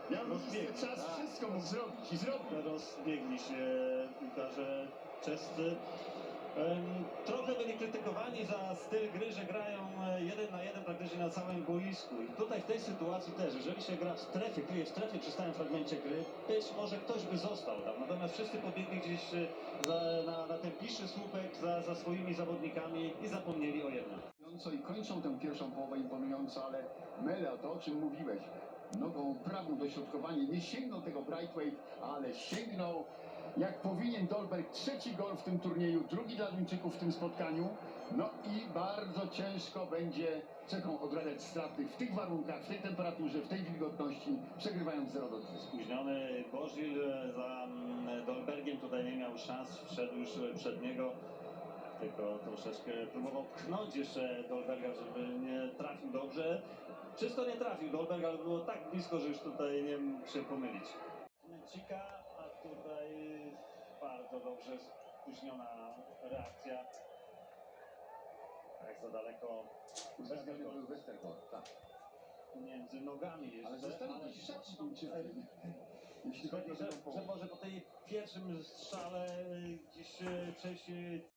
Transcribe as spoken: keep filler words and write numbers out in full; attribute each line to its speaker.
Speaker 1: Miał czas,
Speaker 2: tak.
Speaker 1: wszystko mógł zrobić i zrobił.
Speaker 2: Rozbiegli się piłkarze czescy. Trochę byli krytykowani za styl gry, że grają jeden na jeden praktycznie na całym boisku. I tutaj w tej sytuacji też, jeżeli się gra w strefie, kryje w strefie przy stałym fragmencie gry, być może ktoś by został tam. Natomiast wszyscy pobiegli gdzieś za, na, na ten piszczy słupek za, za swoimi zawodnikami i zapomnieli o jednym.
Speaker 1: I kończą tę pierwszą połowę imponująco, ale Mele, to o czym mówiłeś, nogą prawą dośrodkowanie, nie sięgnął tego Braithwaite, ale sięgnął jak powinien Dolberg. Trzeci gol w tym turnieju, drugi dla Duńczyków w tym spotkaniu. No i bardzo ciężko będzie Czechom odradzać straty w tych warunkach, w tej temperaturze, w tej wilgotności, przegrywając zero do dwóch.
Speaker 2: Spóźniony Bozil za Dolbergiem tutaj nie miał szans, wszedł już przed niego. Tylko troszeczkę próbował pchnąć jeszcze Dolberga, żeby nie trafił dobrze. Czysto nie trafił Dolberg, ale było tak blisko, że już tutaj nie mógł się pomylić. Cika, a tutaj bardzo dobrze spóźniona reakcja. Tak za daleko.
Speaker 1: Westergaard, Westergaard, tak.
Speaker 2: Między nogami jeszcze.
Speaker 1: Ale zostawił gdzieś szat Duńczykiem. Jeśli chodzi o
Speaker 2: że,
Speaker 1: tę
Speaker 2: że
Speaker 1: połowę.
Speaker 2: może po tej pierwszym strzale gdzieś przejść